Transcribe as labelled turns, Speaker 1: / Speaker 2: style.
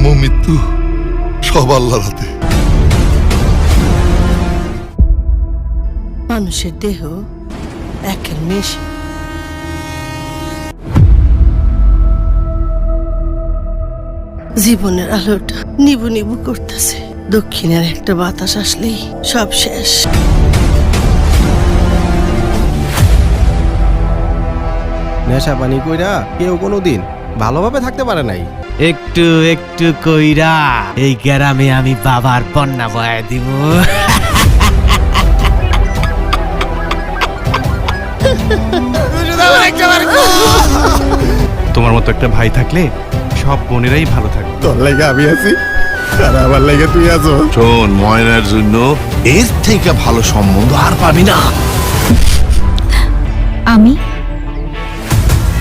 Speaker 1: মৃত্যু সব আল্লাহর হাতে।
Speaker 2: মানুষের দেহ একের মেশিন। জীবনের আলোটা নিবু নিবু করতেছে। দক্ষিণের একটা বাতাস আসলেই সব শেষ।
Speaker 3: নেশা পানি কইরা কেউ কোনোদিন ভালোভাবে থাকতে পারে নাই।
Speaker 4: একটু একটু কইরা এই গ্রামে আমি বাবার বন্যা বয়ে দিব।
Speaker 5: তোমার মতো একটা ভাই থাকলে সব বোনেরাই ভালো থাকবে।
Speaker 3: তোর লাগে আমি আছি আর আমার লাগে তুই আছো।
Speaker 1: শোন, ময়নার জন্য এর থেকে ভালো সম্বন্ধ আর পাবি না।
Speaker 6: আমি